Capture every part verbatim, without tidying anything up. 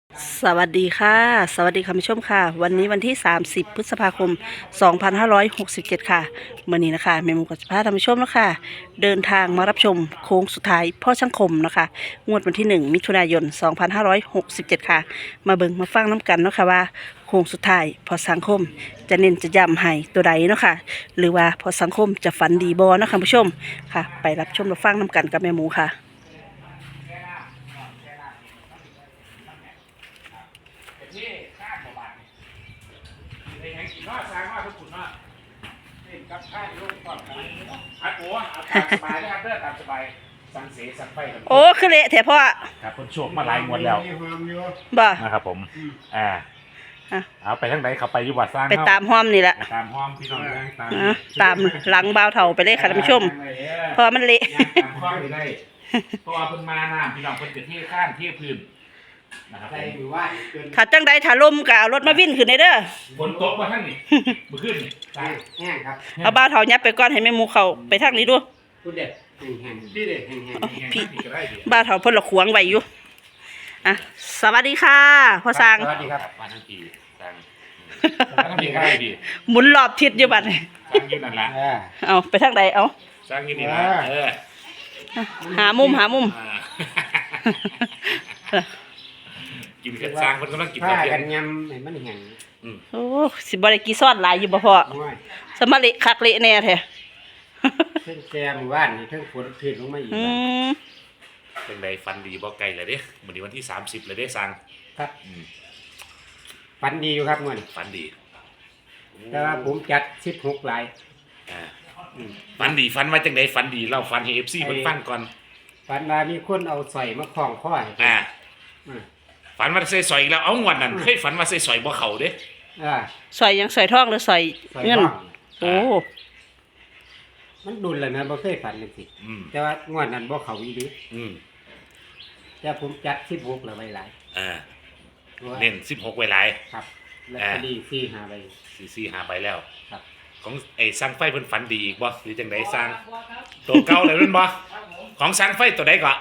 สวัสดีค่ะสวัสดีคุณผู้ชมค่ะวันนี้วันที่สามสิบพฤษภาคมสองพันห้าร้อยหกสิบเจ็ดค่ะเมื่อนี้นะคะเมหมูกับพาท่านผู้ชมนะคะเดินทางมารับชมโค้งสุดท้ายพ่อช่างคมนะคะงวดวันที่หนึ่งมิถุนายนสองพันห้าร้อยหกสิบเจ็ดค่ะมาเบิ่งมาฟังน้ำกันเนาะค่ะว่าโค้งสุดท้ายพอสังคมจะเน้นจะย้ำให้ตัวใดเนาะค่ะหรือว่าพอสังคมจะฝันดีบ่เนาะค่ะคุณผู้ชมค่ะไปรับชมรับฟังน้ำกันกับแม่หมูค่ะที่ข้ามบ่บาทในแห่งกินว่าสร้างว่าทุกคนว่านี่กับข้าวลูกก่อนกันอัดโอ้ตามสบายนะครับเด้อตามสบายสังเสสังไฟกันโอ้คือเละแถพ่อครับคนโชคมาหลายงวดแล้วบ่นะครับผมอ่าเอาไปทางไหนเขาไปอยู่วัดสร้างไปตามห้อมนี่แหละตามห้อมพี่น้องตามตามหลังบ่าวเถ่าไปเลยค่ะท่านผู้ชมเพราะมันเละตามห้อมไปได้เพราะว่าเพิ่นมาน้ำพี่น้องเพิ่นจะเทข้านเทพื้นนะครับถ้าจังใดถ้าลมก็เอารถมาวิ่นขึ้นได้เด้อฝนตกมาทั้งนี้มาขึ้นใช่แห้งครับเอาบ่าวเถ่ายับไปก่อนให้แม่หมูเข้าไปทางนี้ดูพูดเด็ดแห้งๆพี่เด็ดแห้งๆพี่บ่าวเถ่าเพิ่นละขวางไว้อยู่อ่ะสวัสดีค่ะพ่อสร้างสวัสดีครับมาทั้งทีสร้างทั้งทีก็ได้ดีหมุนรอบทิศอยู่บัดนี้สร้างยืนนั่นละเอาไปทางใดเอาสร้างยืนนี่ละเออหามุมหามุมกินกันสร้างคนกำลังกินผ้าข้าวเย็กันนยำให้มันแห้งโอ้สิบ่ได้กี่ซ้อนหลายอยู่บ่พ่อสมาเละคักเละแน่แท้เพิ่งแกมว่านนี่เพิ่งฝนขึ้นลงมาอีกอืมเป็นไงฟันดีบ่ไกลเลยเด้มื้อนี้วันที่สามสิบเลยเด้สร้างครับฟันดีอยู่ครับมื้อนี้ฟันดีแต่ว่าผมจัดสิบหกลายอ่าฟันดีฟันว่าจังได๋ฟันดีเล่าฟันให้ เอฟ ซี เพิ่นฟังก่อนฟันว่ามีคนเอาสร้อยมาคล้องคอให้อ่าฝันว่าใส่สอยอีกแล้วเอางวดนั้นเคยฝันว่าใส่สอยบ่เข้าเด้อ่าสอยยังสอยทองหรือสอยเงินโอ้มันดุลเลยนะบ่เคยฝันเลยสิแต่ว่างวดนั้นบ่เข้าอีหลีอืมแต่ผมจัดสิบหกแล้วไว้หลายอ่าเน้นสิบหกไว้หลายครับแล้วก็ดีสี่ ห้าใบสี่ สี่ ห้าใบแล้วครับของไอ้สร้างไฟเพิ่นฝันดีอีกบ่หรือจังได๋สร้างตัวเก่าเลยแม่นบ่ของสร้างไฟตัวใดก็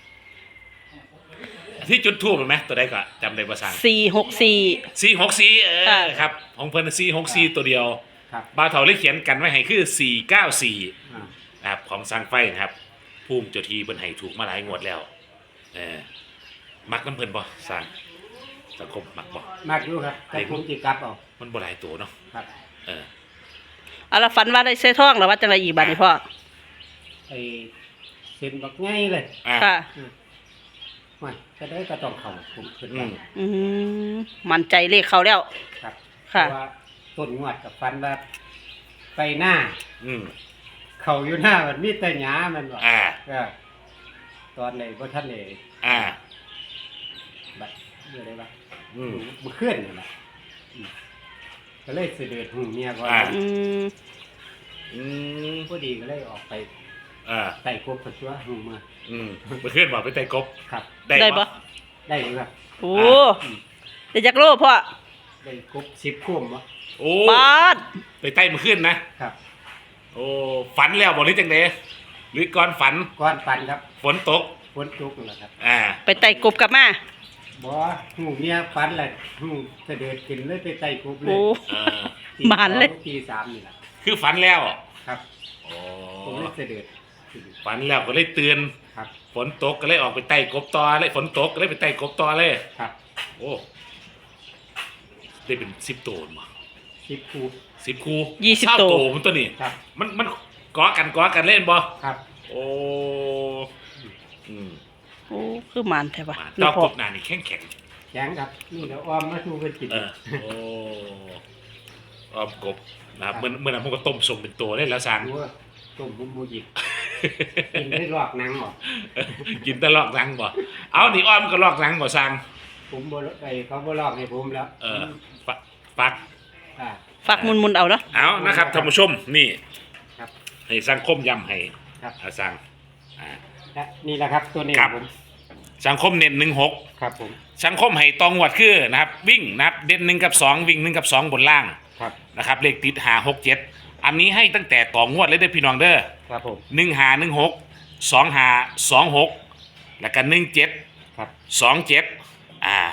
ที่จุดทูบเห็นไหมตัวใดก็จำได้บ่สร้างสี่หกสี่สี่หกสี่เออครับของเพิ่นสี่หกสี่ตัวเดียวบ่าวเฒ่าเลยเขียนกันไว้ให้คือสี่เก้าสี่นะครับของสร้างไฟนะครับภูมิเจ้าที่เพิ่นให้ถูกมาหลายงวดแล้วเออมักน้ำเพิ่นบ่สร้างสังคมมักบ่มักอยู่ครับแต่ผมสิกลับเอามันบ่หลายตัวเนาะครับเออเอาละฝันว่าได้ใส่ทองหรือว่าจังไดอีกบัดนี้พ่อไอ้เส้นบักง่ายเลยค่ะไม่ก็ได้ก็ต้องเข้าผมขึ้นไปอืมมั่นใจเลขเขาแล้วครับค่ะเพราะว่าต้นงวดกับฟันว่าไปหน้าอืมเข้าอยู่หน้ามันมีแต่หญ้ามันว่าอ่าก็ตอนไหนบ่ทันได้อ่าบัดเมื่อใดวะอืมบ่เคลื่อนนั่นล่ะก็เลยสิเดือดหูเมียก่อนอืมอืมพอดีก็เลยออกไปอ่าไต่กบกับตัวหูมาอืมบ่เคลื่อนบ่ไปไต่กบครับได้บ่ได้อยู่ครับโอ้ได้จักโลพ่อได้กบสิบคุ้มบ่โอ้ปาดไปไต่มื้อคืนนะครับโอ้ฝันแล้วบ่หรือจังได๋หรือก่อนฝันก่อนฝันครับฝนตกฝนตกนั่นแหละครับอ่าไปไต่กบกลับมาบ่หูเมียฝันแหละหูเสด็จกินเลยไปไต่กบเลยโอ้บานเลยตีสามนี่แหละคือฝันแล้วครับโอ้ผมเลยเสด็จฝันแล้วก็เลยตื่นครับฝนตกก็เลยออกไปไต่กบต่อเลยฝนตกก็เลยไปไต่กบต่อเลยครับโอ้ได้เป็นสิบตัวมั้งสิบคู่สิบคู่ยี่สิบตัวมันตัวนี้ครับมันมันกอกันกอกันเล่นบ่ครับโอ้อืมโอ้คือมันแท้ป่ะเจ้ากบหน้านี่แข็งแข็งแข็งครับนี่เดี๋ยวอ้อมมาชูกันกินเออโอ้อ้อมกบนะครับเมื่อเมื่อนั้นผมก็ต้มส้มเป็นตัวได้แล้วสั่งต้มมุมมูจิกินได้ลอกหนังบ่กินแต่ลอกหนังบ่เอานี่อ้อมก็ลอกหนังบ่สั่งผมบ่ไอ้เขาบ่ลอกให้ผมแล้วเออฟักฟักฟักมุนๆเอาเนาะเอานะครับท่านผู้ชมนี่ครับให้สังคมย้ำให้ครับสั่งอ่านี่แหละครับตัวนี้ผมสังคมเน้นหนึ่งหกครับผมสังคมให้ตองวัดคือนะครับวิ่งนะครับเด่นหนึ่งกับสองวิ่งหนึ่งกับสองบนล่างครับนะครับเลขติดหาหกเจ็ดอันนี้ให้ตั้งแต่ต่องวดเลยเด้อพี่น้องเด้อครับผมหนึ่งหาหนึ่งหกสองหาสองหกแล้วก็หนึ่งเจ็ดครับสองเจ็ดอ่า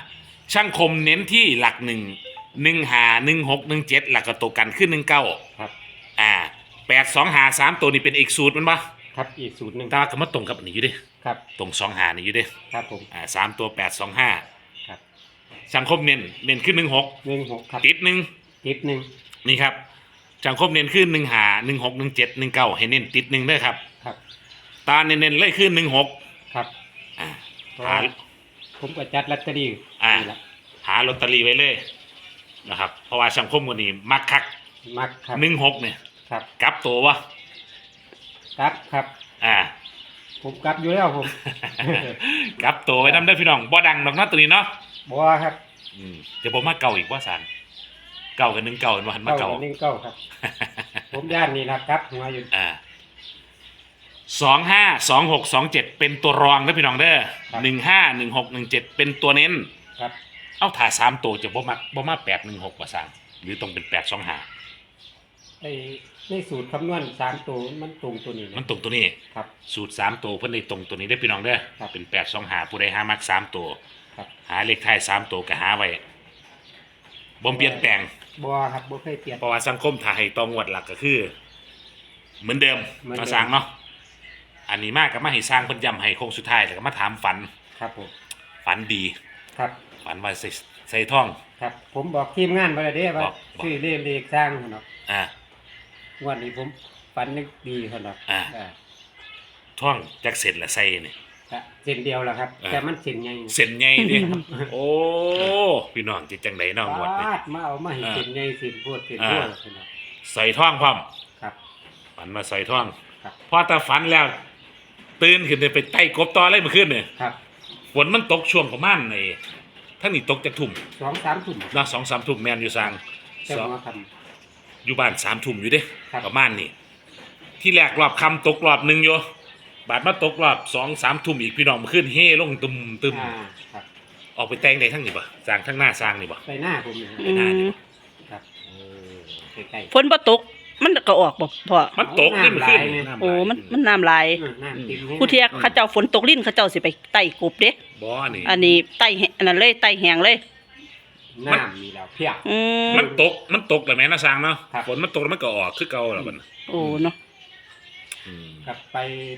ช่างคมเน้นที่หลักหนึ่งหนึ่งหาหนึ่งหกหนึ่งเจ็ดหลักกระตัวกันขึ้นหนึ่งเก้าครับอ่าแปดสองหาสามตัวนี้เป็นอีกสูตรมันปะครับอีกสูตรหนึ่งตาก็มาตรงกับอันนี้อยู่เดิครับตรงสองหานี่อยู่เดิครับผมอ่าสามตัวแปดสองห้าครับช่างคมเน้นเน้นขึ้นหนึ่งหกหนึ่งหกครับติดหนึ่งติดหนึ่งนี่ครับช่างคมเน้นขึ้นหนึ่งหาหนึ่งหกหนึ่งเจ็ดหนึ่งเก้าให้เน้นติดหนึ่งด้วยครับครับตาเน้นเน้นเลยขึ้นหนึ่งหกครับอ่าเพราะหาว่าผมก็จัดลอตเตอรี่อ่านี่แหละหาลอตเตอรี่ไว้เลยนะครับเพราะว่าช่างคมคนนี้มักคักมักครับหนึ่งหกเนี่ยครับกลับตัววะครับครับอ่าผมกลับอยู่แล้วผมกลับตัวไว้นำได้อพี่น้องบ่ดังดอกเนาะตัวนี้เนาะบัวครับอืมเดี๋ยวผมมาเก่าอีกว่าสันเก่ากันหนึ่งเก่ากันว่าหันมาเก้าเก่าหนึ่งเก้าครับ ผมย่านนี่นะครับหัวอยู่อ่าสองห้าสองหกสองเจ็ดเป็นตัวรองนะพี่น้องเด้อครับหนึ่งห้าหนึ่งหกหนึ่งเจ็ดเป็นตัวเน้นครับเอาถ่ายสามตัวจะบ่มาบ่มาแปดหนึ่งหกว่าสันหรือต้องเป็นแปดสองห้าไอ้ในสูตรคำนวณสามตัวมันตรงตัวนี้มันนะตรงตัวนี้ครับสูตรสามตัวเพิ่นได้ตรงตัวนี้ได้อพี่น้องเด้อครับเป็นแปดสองห้าผู้ใดหามักสามตัวครับหาเลขท้ายสามตัวก็หาไว้บ่เปลี่ยนแปลงบัวครับบัวเคยเปลี่ยนเพราะว่าสังคมถ่ายตองวดหลักก็คือ เหมือนเดิมเหมือนเดิมมาสร้างเนาะอันนี้มากก็มาให้สร้างเพิ่นย้ำให้โค้งสุดท้ายแล้วก็มาถามฝันครับผมฝันดีครับฝันว่าใส่ใส่ท่องครับ ผมบอกทีมงานไปแล้วเด้ว่าบอกบอกชื่อเล่เลขสร้างเนาะอ่าวันนี้ผมฝันนึกดีเนาะอ่าอ่าท่องจักเสร็จละใส่นี่ก็เส้นเดียวแหละครับอ่าแต่มันเส้นใหญ่เส้นใหญ่ดิ โอ้พี่น้องจิตจังไดเนาะงวดนี่ปาดมาเอามาให้อ่าเส้นใหญ่เส้นโพดเส้นอ่าโพดเนาะใส่ท่องพร้อมครับฝันมาใส่ท่องครับพอตาฝันแล้ว ตื่นขึ้นไปไต่กบต่อเลยเมื่อคืนนี่ครับฝนมันตกช่วงประมาณในท่านนี่ตกจากทุ่มสองสามทุ่มเนาะสองสามทุ่มแมนอยู่สร้างแต่สองหัวคอยู่บ้านสามทุ่มอยู่เด้ครับประมาณนี้ที่แรกรอบคำตกรอบหนึ่งอยู่บาดมาตกรอบสองสามทุ่มอีกพี่น้องมาขึ้นเฮ่ลงตึมตึมำอ่าครับออกไปแต่งได้ทั้งนี้ป่ะสร้างทั้งหน้าสร้างนี่ป่ะไปหน้าผมเนี่ยไปหน้านี่ครับใกล้ฝนบ่ตกมันก็ออกบ่พ่อมันตกนี่มันขึ้นโอ้มันมันน้ำลายๆอืมน้ำติ่มให้ผู้เที่ยเขาเจ้าฝนตกลิ้นเขาเจ้าสิไปไต่กบเด้บ่อนี่อันนี้ไต่แหอันนั้นเลยไต่แหงเลยน้ำมีแล้วเพียบอืมมันตกมันตกแต่แม่นะสร้างเนาะครับฝนมันตกแล้วมันก็ออกคือเก่าแล้วมันโอ้เนาะอืมกลับไป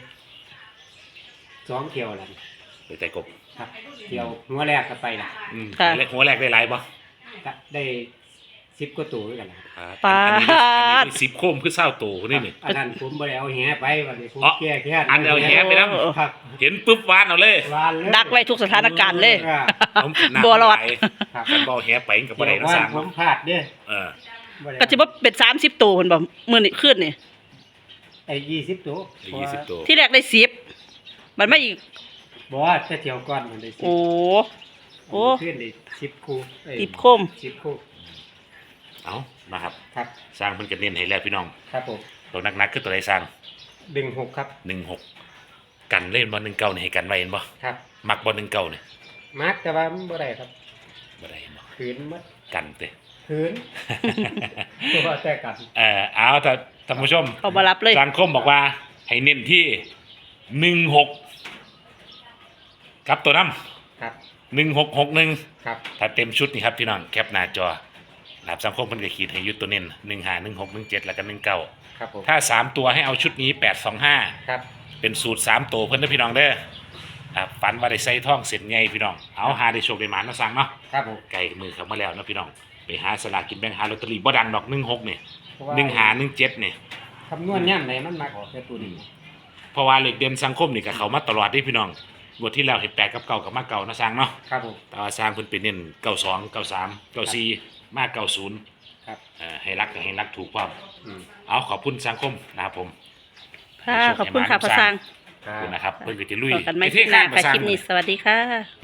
สองเที่ยวแล้วไปแต่กบครับเที่ยวหัวแรกก็ไปละอืมหัวแรกได้หลายป่ะก็ได้สิบกว่าตัวด้วยกันนะปาอันนี้ได้อันดนี้สิบโคมคือเศร้าโตคนนี้นี่อันนั้นผมบ่ได้เอาแหไปวันนี้ผมอ๋อแก้แค่อันเอาแหไปนำครับเห็นปุ๊บวานเอาเลยวานเลยดักไว้ทุกสถานการณ์เลยอ่าผมกินน้ำบ่รอดไหลครับกันบ่แหไปกับบ่ได้เที่ยวนะวาสนร้างผมพลาดเด้เออบ่ได้ก็สิบ่เป็นสามสิบตัวเพิ่นบ่มื้อนี้ขึ้นนี่ไอ้ยี่สิบตัวยี่สิบตัวที่แรกได้สิบมันมาอีกบอกว่าจะเที่ยวก่อนมันได้สิบโอ้ โอ้ขึ้นได้สิบคู่เอ้ยสิบโคมสิบคู่เอานะครับครับสร้างเพิ่นก็เน้นให้แล้วพี่น้องครับผมตัวนักๆคือตัวใดสร้างดึงหกครับหนึ่งหกกันเล่นบ่หนึ่งเก้านี่ให้กันไว้เห็นบ่ครับมักบ่หนึ่งเก้านี่มาร์กแต่ว่ามันบ่ได้ครับบ่ได้เห็นบ่ขืนมัดกันเด้ขืนตัวแต่กันเอ่อเอาถ้าท่านผู้ชมเขามารับเลยสังคมบอกว่าให้เน้นที่หนึ่งหกกับตัวน้ำครับหนึ่งหกหกหนึ่งครับถ้าเต็มชุดนี่ครับพี่น้องแคปหน้าจอนะครับสังคมเพิ่นก็ขีดให้อยุดตัวเน้นหนึ่งห้าหนึ่งหกหนึ่งเจ็ดแล้วก็หนึ่งเก้าครับผมถ้าสามตัวให้เอาชุดนี้แปดสองห้าครับเป็นสูตรสามตัวเพิ่นนะพี่น้องเด้อครับฝันว่าได้ใส่ท่องเสร็จไงพี่น้องเอาหาได้โชคได้หมานะสั่งเนาะครับผมไก่มือเข้ามาแล้วนะพี่น้องไปหาสลากกินแบ่งหาลอตเตอรี่บ่ดังดอกหนึ่งหกเนี่ยเพราะว่าหนึ่งหาหนึ่งเจ็ดเนี่ยคำนวณย่ำไหนมันมาออกแค่ตัวนี้เพราะว่าเหล็กเด่นสังคมนี่กับเขามาตลอดที่พี่น้องงวดที่แล้วเห็นแปดกับเก่ากับมาเก่านะสร้างเนาะครับผมแต่ว่าสร้างเพิ่นเป็นเน้นเก้าสองเก้าสามเก้าสี่มาเก้าศูนย์ครับเอ่อให้รักกับให้รักถูกความอืมเอาขอบคุณสังคมนะครับผมค่ะขอบคุณค่ะพระสร้างขอบคุณนะครับเพิ่นก็จะลุยต่อกันไม่ไปคลิเท่ปหข้าน้างมาค่ะสร้างคลิปนี้สวัสดีค่ะ